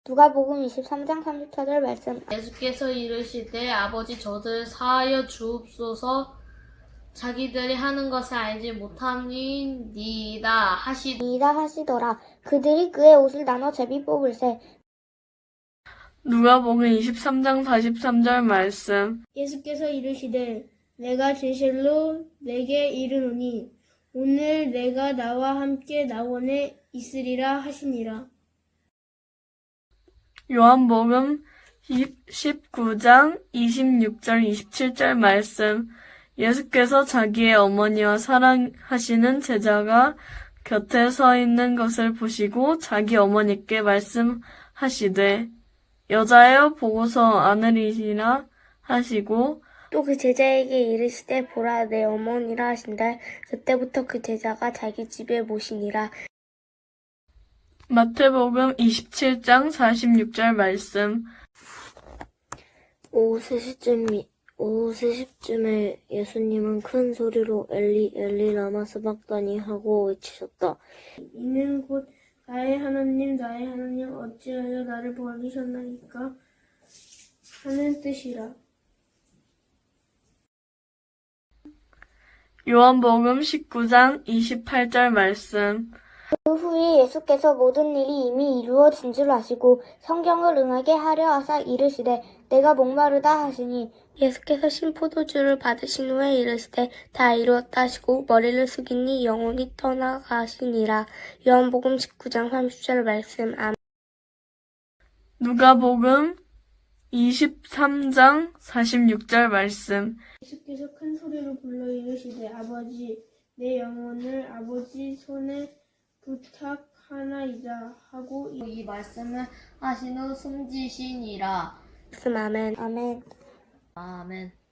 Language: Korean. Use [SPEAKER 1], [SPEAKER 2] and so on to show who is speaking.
[SPEAKER 1] 누가복음 23장 34절 말씀.
[SPEAKER 2] 예수께서 이르시되 아버지 저들 사하여 주옵소서 자기들이 하는 것을 알지 못함이니이다
[SPEAKER 1] 하시더라. 그들이 그의 옷을 나눠 제비 뽑을세.
[SPEAKER 3] 누가복음 23장 43절 말씀.
[SPEAKER 4] 예수께서 이르시되 내가 진실로 내게 이르노니 오늘 내가 나와 함께 낙원에 있으리라 하시니라.
[SPEAKER 3] 요한복음 19장 26절 27절 말씀. 예수께서 자기의 어머니와 사랑하시는 제자가 곁에 서 있는 것을 보시고 자기 어머니께 말씀하시되 여자여 보고서 아느리라 하시고
[SPEAKER 1] 또 그 제자에게 이르시되 보라 내 어머니라 하신다. 그때부터 그 제자가 자기 집에 모시니라.
[SPEAKER 3] 마태복음 27장 46절 말씀.
[SPEAKER 1] 오후 3시쯤에 예수님은 큰 소리로 엘리 엘리 라마 스박다니 하고 외치셨다.
[SPEAKER 4] 이는 곧 나의 하나님 어찌하여 나를 버리셨나이까 하는 뜻이라.
[SPEAKER 3] 요한복음 19장 28절 말씀.
[SPEAKER 1] 그 후에 예수께서 모든 일이 이미 이루어진 줄 아시고 성경을 응하게 하려 하사 이르시되 내가 목마르다 하시니 예수께서 신포도주를 받으신 후에 이르시되 다 이루었다 하시고 머리를 숙이니 영혼이 떠나가시니라. 요한복음 19장 30절 말씀. 아멘.
[SPEAKER 3] 누가복음 23장 46절 말씀.
[SPEAKER 4] 예수께서 큰 소리로 불러 이르시되 아버지 내 영혼을 아버지 손에 부탁하나이다 하고
[SPEAKER 2] 이 말씀을 하신 후 숨지시니라.
[SPEAKER 1] 아멘. 아멘.
[SPEAKER 2] 아멘.